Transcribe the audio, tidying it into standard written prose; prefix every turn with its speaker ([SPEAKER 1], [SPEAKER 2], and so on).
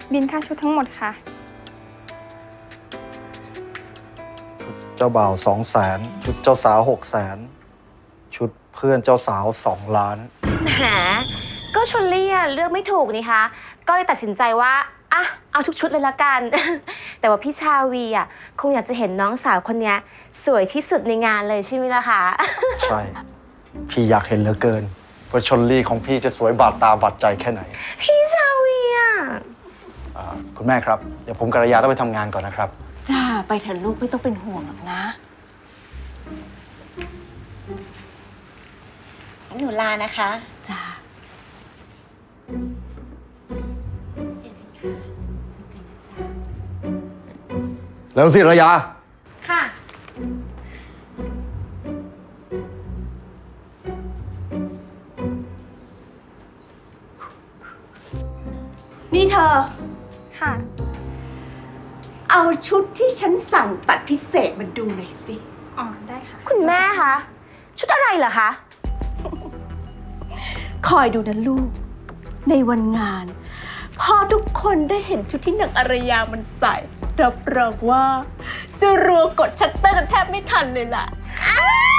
[SPEAKER 1] บินค่าชุดทั้งหมดค่ะ
[SPEAKER 2] เจ้าบ่าว200,000ชุดเจ้าสาว600,000ชุดเพื่อนเจ้าสาว2 ล้าน
[SPEAKER 3] แหมก็ชลลี่อะเลือกไม่ถูกนี่คะก็เลยตัดสินใจว่าอ่ะเอาทุกชุดเลยละกัน แต่ว่าพี่ชาวีอ่ะคงอยากจะเห็นน้องสาวคนนี้สวยที่สุดในงานเลยใช่ไหมล่ะคะ
[SPEAKER 2] ใช่ พี่อยากเห็นเหลือเกินว่าชลลี่ของพี่จะสวยบาดตาบาดใจแค่ไหน
[SPEAKER 3] พี่ชาวีอ่ะ
[SPEAKER 2] คุณแม่ครับ เดี๋ยวผมกัลยาต้องไปทำงานก่อนนะครับ
[SPEAKER 4] จ้าไปเถอะลูกไม่ต้องเป็นห่วงหรอกนะหนูลานะคะจ้า
[SPEAKER 2] แล้วสิระยา
[SPEAKER 3] ค่ะ
[SPEAKER 4] นี่เธอ
[SPEAKER 1] ค่ะ
[SPEAKER 4] เอาชุดที่ฉันสั่งตัดพิเศษมาดูหน่อยสิ
[SPEAKER 1] อ๋อ ได้ค่ะ
[SPEAKER 3] คุณแม่คะชุดอะไรเหรอคะ
[SPEAKER 4] คอยดูนะลูก ในวันงาน พอทุกคนได้เห็นชุดที่นางอารยามันใส่ รับรองว่า จะรัวกดชัตเตอร์กันแทบไม่ทันเลยล่ะ